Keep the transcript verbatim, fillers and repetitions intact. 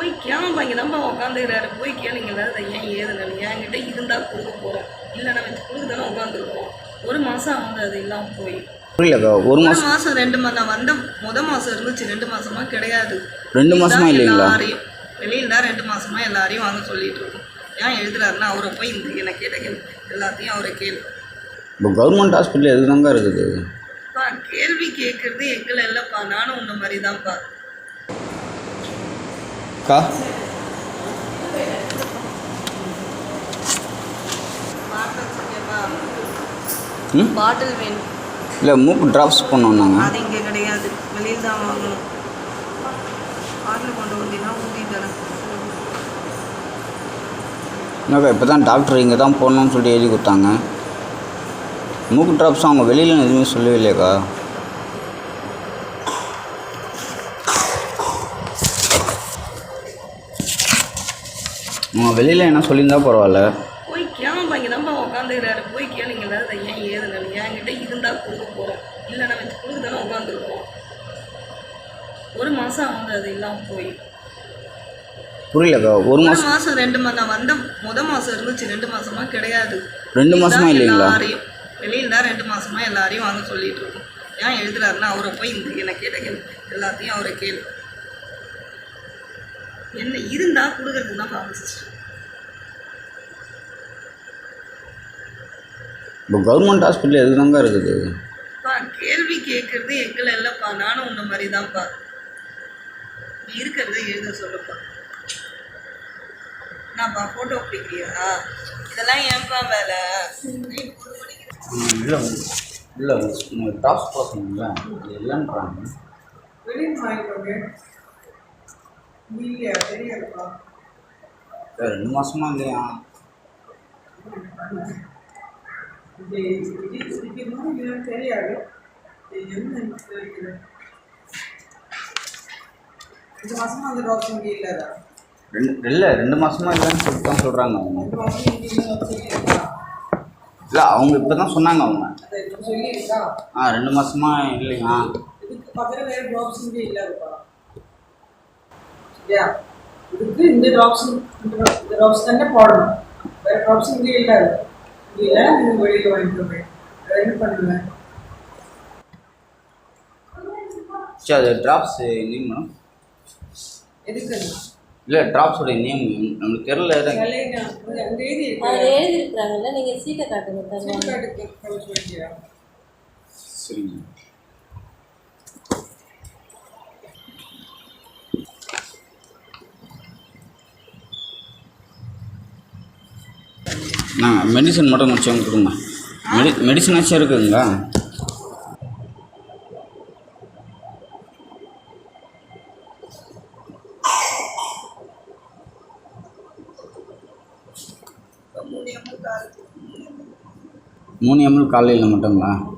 போய் கேம்பா இங்கே தான்ப்பா உட்காந்துக்கிறாரு, போய் கேளுங்கள அதை ஏன் ஏதுன்னு. என்கிட்ட இருந்தால் கொடுக்க போகிறோம், இல்லைன்னா வச்சு கொடுக்க தானே உட்காந்துருக்கோம். ஒரு மாதம் ஆகுது அது இல்லாமல் போய். புரியலக்கா. ஒரு மாதம் மாதம் ரெண்டு மாதம் நான் வந்த முத மாதம் இருந்துச்சு, ரெண்டு மாதமா கிடையாது. ரெண்டு மாதமா இல்லைங்களா? எல்லாரையும் வெளியில் தான் ரெண்டு மாதமா எல்லாரையும் வாங்க சொல்லிட்டு இருக்கோம். ஏன் எழுதுறாருன்னா அவரை போய் இந்த என்னை கேட்ட கேள்வி எல்லாத்தையும் அவரை கேள்வி. இப்போ கவர்மெண்ட் ஹாஸ்பிட்டல் எது தாங்க இருக்குது? பா கேள்வி கேட்குறது எங்களை இல்லைப்பா, நானும் உன்ன மாதிரி தான்ப்பா. கா பாட்டில் வேணும். இல்லை மூக்கு ட்ராப்ஸ் பண்ணோன்னாங்க. அது இங்கே கிடையாது, வெளியில் தான் வாங்கணும். பாட்டில் கொண்டு வந்தீங்கன்னா ஊற்றி தரேன். என்னக்கா இப்போ தான் டாக்டர் இங்கே தான் போடணும்னு சொல்லிட்டு எழுதி கொடுத்தாங்க. மூக்கு ட்ராப்ஸ் அவங்க வெளியில் எதுவுமே சொல்லவே இல்லையாக்கா? அவங்க வெளியில் என்ன சொல்லியிருந்தா பரவாயில்ல. போய் கேம்பா இங்கே தான்ப்பா உட்காந்துக்கிறாரு, போய் கேளுங்கள அதை ஏன் ஏதுன்னு. என்கிட்ட இருந்தால் கொடுக்க போகிறோம், இல்லைன்னா வச்சு கொடுக்க தானே உட்காந்துருக்கோம். ஒரு மாதம் ஆகுது அது இல்லாமல் போய். புரியலக்கா. ஒரு மாதம் மாதம் ரெண்டு மாதம் நான் வந்த முத மாதம் இருந்துச்சு, ரெண்டு மாதமா கிடையாது. ரெண்டு மாதமா இல்லைங்களா? எல்லாரையும் வெளியில் தான் ரெண்டு மாதமா எல்லாரையும் வாங்க சொல்லிட்டு இருக்கோம். ஏன் எழுதுறாருன்னா அவரை போய் இந்த என்னை கேட்ட கேள்வி எல்லாத்தையும் அவரை கேள்வி. என்ன இருந்தால் கொடுக்கறதுக்கு தான் ஃபார்மசிஸ்ட். இப்போ கவர்மெண்ட் ஹாஸ்பிட்டல் எது தாங்க இருக்குது? பா கேள்வி கேட்குறது எங்களை இல்லைப்பா, நானும் உன்ன மாதிரி தான்ப்பா. நீ இருக்கிறத எழுத சொல்லுப்பா. நான்ப்பா ஃபோட்டோ பிடிக்கிறியா? இதெல்லாம் ஏன்பா வேலை? இல்லை இல்லை உங்கள் டாப்ஸ் பார்க்கணுங்களா? அது இல்லைன்றாங்க. வெளியில் வாங்கிக்கோங்க. இல்லையா தெரியாதுப்பா. ரெண்டு மாதமா இல்லையா? இது இது தெரியாது. என்ன ரெண்டு மாதமா அந்த டாக்டர் இங்கே இல்லாதா? ரெண்டு இல்லை ரெண்டு மாதமா இல்லைன்னு சொல்லிட்டு தான் சொல்கிறாங்க அவங்க. இல்லை அவங்க இப்போ தான் சொன்னாங்க அவங்க. ஆ ரெண்டு மாதமா இல்லைங்க. இதுக்கு பக்கத்தில் வேறு டாக்டர்ஸ் இங்கே இல்லாதுப்பா. சரியா? இதுக்கு இந்த டாக்டர்ஸ் இந்த டாக்டர்ஸ் தானே போடணும், வேறு டாக்டர்ஸ் இங்கே இல்லாது. இங்கே இல்லை நீங்கள் வெளியில் வாங்கிக்கோங்க. வேறு என்ன பண்ணுவேன்? சரி அது ட்ராப்ஸ் நேம் மேடம் எதுக்கு? இல்லை ட்ராப்ஸோட நேம் நம்மளுக்கு தெரில. எழுதிருக்கிறாங்கல்ல, நீங்கள் சீட்டை காட்டுங்க. சரிங்க. நான் மெடிசன் மட்டும் கொஞ்சம் கொடுங்க. மெடி மெடிசனாச்சும் இருக்குதுங்களா? மூணு எம்எல் காலையில் மட்டுங்களா?